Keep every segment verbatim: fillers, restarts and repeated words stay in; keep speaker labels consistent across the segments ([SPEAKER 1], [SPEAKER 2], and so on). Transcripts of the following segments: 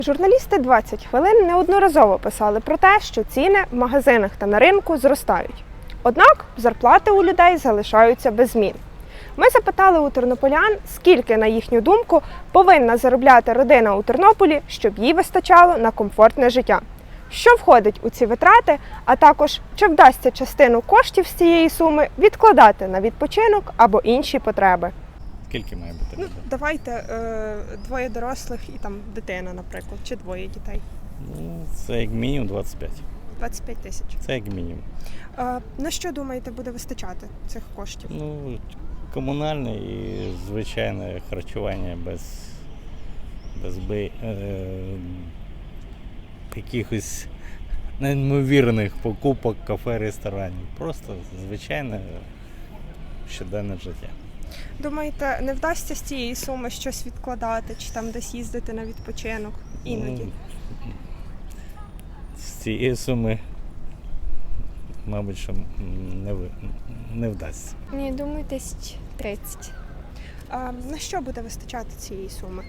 [SPEAKER 1] Журналісти двадцять хвилин неодноразово писали про те, що ціни в магазинах та на ринку зростають. Однак зарплати у людей залишаються без змін. Ми запитали у тернополян, скільки, на їхню думку, повинна заробляти родина у Тернополі, щоб їй вистачало на комфортне життя. Що входить у ці витрати, а також чи вдасться частину коштів з цієї суми відкладати на відпочинок або інші потреби.
[SPEAKER 2] Скільки має бути?
[SPEAKER 1] Ну, давайте е, двоє дорослих і там дитина, наприклад, чи двоє дітей.
[SPEAKER 2] Ну, це як мінімум двадцять п'ять.
[SPEAKER 1] двадцять п'ять тисяч.
[SPEAKER 2] Це як мінімум.
[SPEAKER 1] Е, на що, думаєте, буде вистачати цих коштів?
[SPEAKER 2] Ну, комунальне і звичайне харчування без, без би, е, якихось неймовірних покупок, кафе, ресторанів. Просто звичайне щоденне життя.
[SPEAKER 1] Думаєте, не вдасться з цієї суми щось відкладати, чи там десь їздити на відпочинок іноді?
[SPEAKER 2] Ну, з цієї суми, мабуть, що не, ви- не вдасться.
[SPEAKER 3] Ні, думаю, тисяч тридцять.
[SPEAKER 1] А на що буде вистачати цієї суми?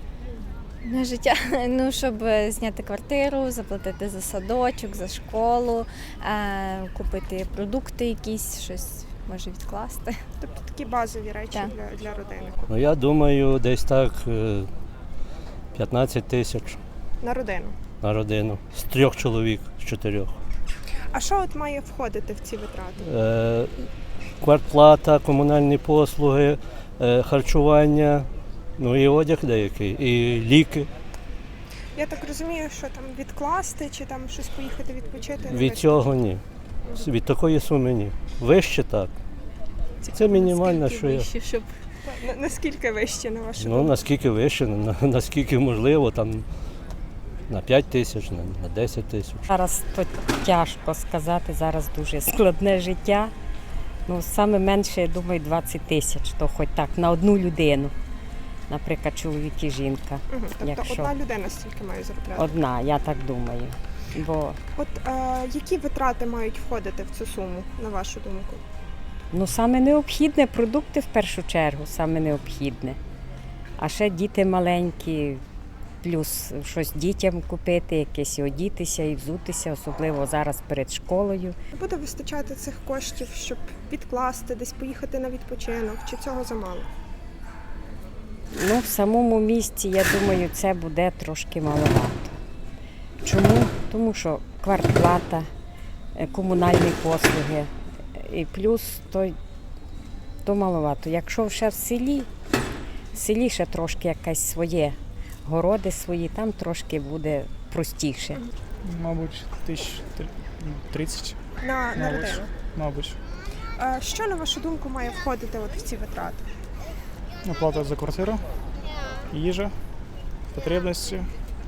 [SPEAKER 3] На життя, ну, щоб зняти квартиру, заплатити за садочок, за школу, е, купити продукти якісь, щось може відкласти.
[SPEAKER 1] Тобто такі базові речі
[SPEAKER 3] Так.
[SPEAKER 1] для, для родини.
[SPEAKER 4] Ну, я думаю, десь так е, п'ятнадцять тисяч
[SPEAKER 1] На родину.
[SPEAKER 4] на родину. З трьох чоловік, з чотирьох.
[SPEAKER 1] А що от має входити в ці витрати?
[SPEAKER 4] Е, Квартплата, комунальні послуги, е, харчування, ну і одяг деякий, і ліки.
[SPEAKER 1] Я так розумію, що там відкласти, чи там щось поїхати відпочити? не
[SPEAKER 4] Від цього ні. Від такої суми ні. Вище так. Це мінімально, що я.
[SPEAKER 1] вистачить? На- Наскільки вище, на вашу
[SPEAKER 4] Ну,
[SPEAKER 1] думку?
[SPEAKER 4] наскільки вище, на- наскільки можливо, там на п'ять тисяч, на на десять тисяч.
[SPEAKER 5] Зараз то тяжко сказати, зараз дуже складне життя. Ну, саме менше, я думаю, двадцять тисяч, то хоч так, на одну людину. Наприклад, чоловік і жінка.
[SPEAKER 1] Угу. Тобто
[SPEAKER 5] якщо-
[SPEAKER 1] одна людина стільки має заробляти?
[SPEAKER 5] Одна, я так думаю. Бо
[SPEAKER 1] От е, які витрати мають входити в цю суму, на вашу думку?
[SPEAKER 5] ну, саме необхідне продукти в першу чергу, саме необхідне. А ще діти маленькі, плюс щось дітям купити, якесь і одітися, і взутися, особливо зараз перед школою.
[SPEAKER 1] Буде вистачати цих коштів, щоб відкласти, десь поїхати на відпочинок, чи цього замало?
[SPEAKER 5] Ну, в самому місті, я думаю, це буде трошки маловато. Чому? Тому що квартплата, е, комунальні послуги, е, і плюс то, то маловато. Якщо ще в селі, в селі ще трошки якесь своє, городи свої, там трошки буде простіше.
[SPEAKER 6] Мабуть, тисяч тридцять,
[SPEAKER 1] На, на
[SPEAKER 6] Мабуть.
[SPEAKER 1] родину.
[SPEAKER 6] мабуть.
[SPEAKER 1] Е, що, на вашу думку, має входити от в ці витрати?
[SPEAKER 6] Оплата за квартиру, їжа, потребності.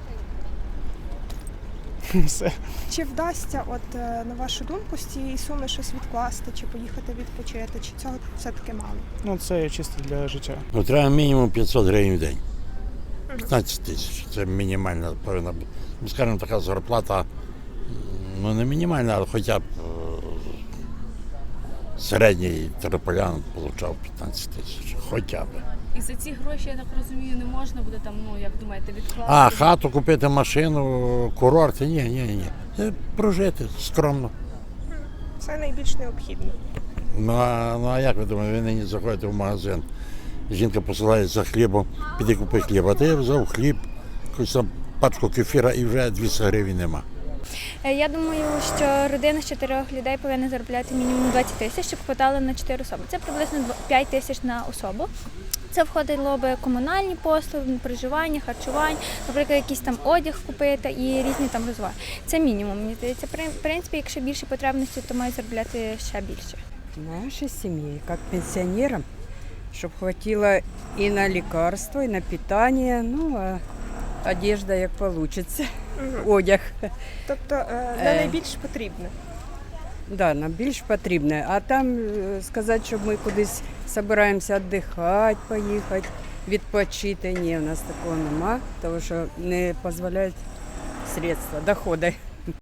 [SPEAKER 6] Все.
[SPEAKER 1] Чи вдасться, от е, на вашу думку, з цієї суми щось відкласти, чи поїхати відпочити, чи цього все-таки мало?
[SPEAKER 6] Ну, це чисто для життя.
[SPEAKER 7] Ну, треба мінімум п'ятсот гривень в день. п'ятнадцять тисяч. Це мінімальна повинна бути. Ну, скажімо, така зарплата, м, ну не мінімальна, але хоча б е, середній тернополян отримав п'ятнадцять тисяч. Хоча б.
[SPEAKER 8] І за ці гроші, я так розумію, не можна буде там, ну як думаєте, відкласти?
[SPEAKER 7] А, хату купити, машину, курорт, ні, ні, ні. Це прожити скромно.
[SPEAKER 1] Це найбільш необхідно.
[SPEAKER 7] Ну а, ну, а як ви думаєте, ви нині заходите в магазин, жінка посилає за хлібом, піди купи хліб, а ти взяв хліб, якусь там пачку кефіра і вже двісті гривень нема.
[SPEAKER 3] Я думаю, що родина з чотирьох людей повинна заробляти мінімум двадцять тисяч, щоб хватало на чотири особи. Це приблизно п'ять тисяч на особу. Це входило би комунальні послуги, проживання, харчування, наприклад, якийсь там одяг купити і різні там розваги. Це мінімум, мені здається. В принципі, якщо більше потребності, то мають заробляти ще більше.
[SPEAKER 9] Нашей семье, как пенсионерам, чтобы хватило и на лекарства, и на питание, ну, а одежда як получится, одяг.
[SPEAKER 1] Тобто е, на
[SPEAKER 9] Е.
[SPEAKER 1] найбільш потрібне.
[SPEAKER 9] Да, нам більш потрібне. А там е, сказати, що ми кудись збираємося віддихати, поїхати, відпочити. Ні, у нас такого нема, тому що не дозволяють средства, доходи.